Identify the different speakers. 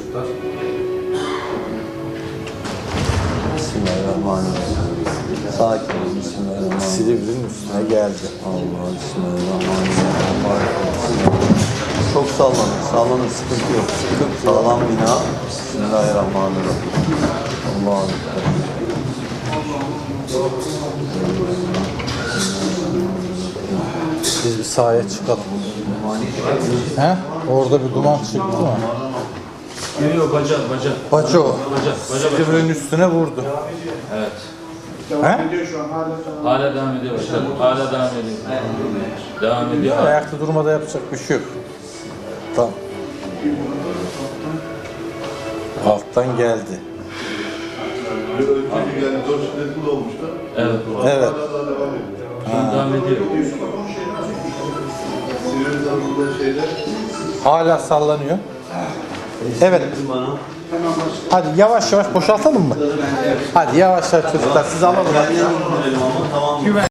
Speaker 1: çocuklar.
Speaker 2: Bismillahirrahmanirrahim. Sakin ol. Bismillahirrahmanirrahim.
Speaker 3: Silivri'nin üstüne geldi.
Speaker 2: Allah Bismillahirrahmanirrahim. Çok sallanır. Sallanır. Sıkıntı yok. Sağlam bina. Bismillahirrahmanirrahim. Allah'a emanet.
Speaker 3: Biz bir sahaya çıkalım. He? Orada bir duman çıktı mı?
Speaker 1: Yok baca.
Speaker 3: Baco.
Speaker 1: Baca.
Speaker 3: Silivri'nin üstüne vurdu.
Speaker 1: Evet.
Speaker 3: He?
Speaker 1: Hala devam ediyor başkanım. Hala devam ediyor. Devam ediyor.
Speaker 3: Ayakta durmada yapacak bir şey yok. Tamam. Alttan geldi.
Speaker 4: Önceki yani 4 şiddetli olmuştu.
Speaker 1: Evet.
Speaker 3: Evet.
Speaker 4: Hala devam ediyor.
Speaker 1: Şu an devam ediyor.
Speaker 4: Silivri tarafında şeyde
Speaker 3: Hala sallanıyor. Evet. Hadi yavaş yavaş boşaltalım mı? Hadi yavaş yavaş çocuklar siz alalım.